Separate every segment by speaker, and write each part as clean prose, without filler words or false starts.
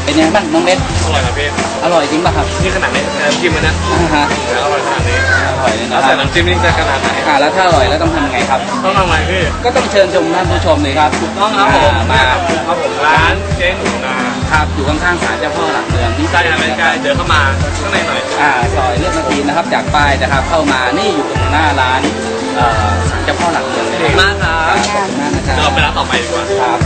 Speaker 1: เป็นยังไงบ้างน้องเบส
Speaker 2: อร่อยครับพี่
Speaker 1: อร่อยจริงป่ะครับ
Speaker 2: นี่ขนาดนี้น้ำจิ้มมันนะอร่อยขนาดนี้
Speaker 1: อร่อยเลยนะ
Speaker 2: แล้วแต่น้ำจิ้มนี่จะขนาดไหน
Speaker 1: แล้วถ้าอร่อยแล้วต้องทำยังไงครับ
Speaker 2: ต้องทำไงพี่
Speaker 1: ก็ต้องเชิญชมท่านผู้ชมเลยครับ
Speaker 2: ถูกต้องครับผมมาครับผมร้านเจ๊หนูนา
Speaker 1: ครับอยู่ข้างๆศาลเจ้าพ่อหลักเมืองนี่
Speaker 2: ใช่ครับใกล้เดินเข้ามาข้างในหน่อย
Speaker 1: ซอยเลือดนาทีนะครับจากป้ายนะครับเข้ามานี่อยู่ตรงหน้าร้านศาลเจ้าพ่อหลักเมืองเลย
Speaker 2: ขอบคุณมากครับ
Speaker 1: ขอบคุณมากนะครับ
Speaker 2: เราไปร้านต่อไปดีกว่า
Speaker 1: ครับ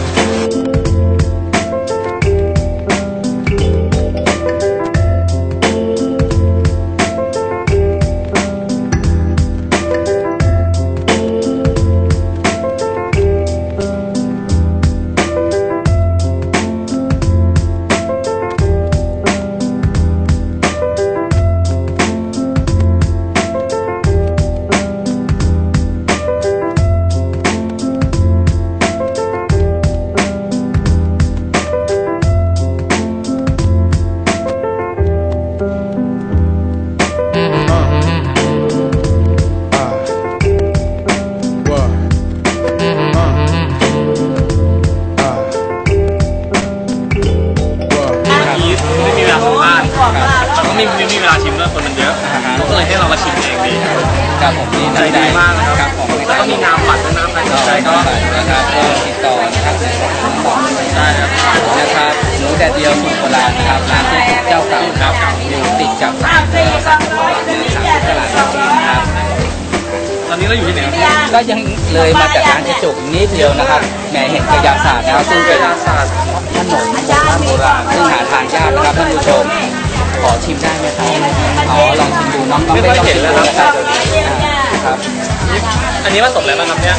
Speaker 2: มีเวลาชิมด้วยคนมันเยอะก็เลยให้เรามาชิมเองดี
Speaker 1: ครับผมนี่
Speaker 2: ใจดีมากนะครับแล้วก็มีน้ำปัดน้ำอะไร
Speaker 1: ใช่ก็นะครับก็ติดต่อนะครับ
Speaker 2: ได้ครับ
Speaker 1: นะครับหมูแดดเดียวสูตรโบราณนะครับร้านที่เจ้าเก่าครับอยู่ติดกับศาลตลาดนะครับ
Speaker 2: ตอนนี้เราอยู่ที่ไหน
Speaker 1: ก็ยังเลยมาจากร้านเจจุกนิดเดียวนะครับแหมเห็นกระยาศาสตร์นะครับซึ่งเป็นขนมโบราณซึ่งหาทานยากนะครับท่านผู้ชมขอชิมได้ไหมครับลองชิมดูน้อง
Speaker 2: ไม่ต้องเห็นแล้ว
Speaker 1: ครับครับ
Speaker 2: อันนี้ผสมอะไรบ้างครับเนี่ย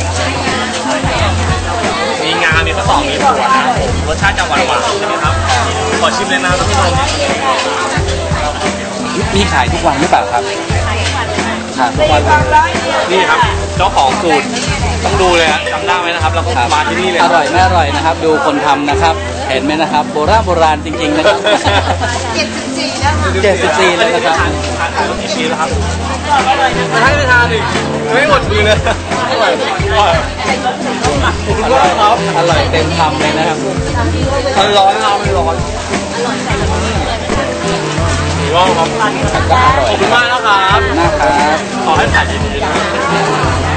Speaker 2: มีงามีข้าวตอกมีถั่วนะรสชาติจะหวานๆใช่ไหมครับขอชิมเลยนะท่านผู้ชม
Speaker 1: มีขายทุกวันหรือเปล่าครับ
Speaker 2: ทุกวันนี่ครับเจ้าของสูตรต้องดูเลยจำได้ไหมนะครับแล้วก็มาที่นี่เลย
Speaker 1: อร่อยไม่อร่อยนะครับดูคนทำนะครับเห็นไหมนะครับโบราณจริงๆนะครับ74แล้วนะครับ
Speaker 2: ทานกี่ชิ้นแล้วครับให้ไปทานดิไม่หมดมือเลยอร่อยครับ
Speaker 1: อร่อยเต็มคำเลยนะครับ
Speaker 2: มันร้อนเราไม่ร้อนว้าวครับ
Speaker 1: ก็อร่อย
Speaker 2: ขอบคุณมากนะครับ
Speaker 1: นะครับ
Speaker 2: ขอให้ขายดีๆนะ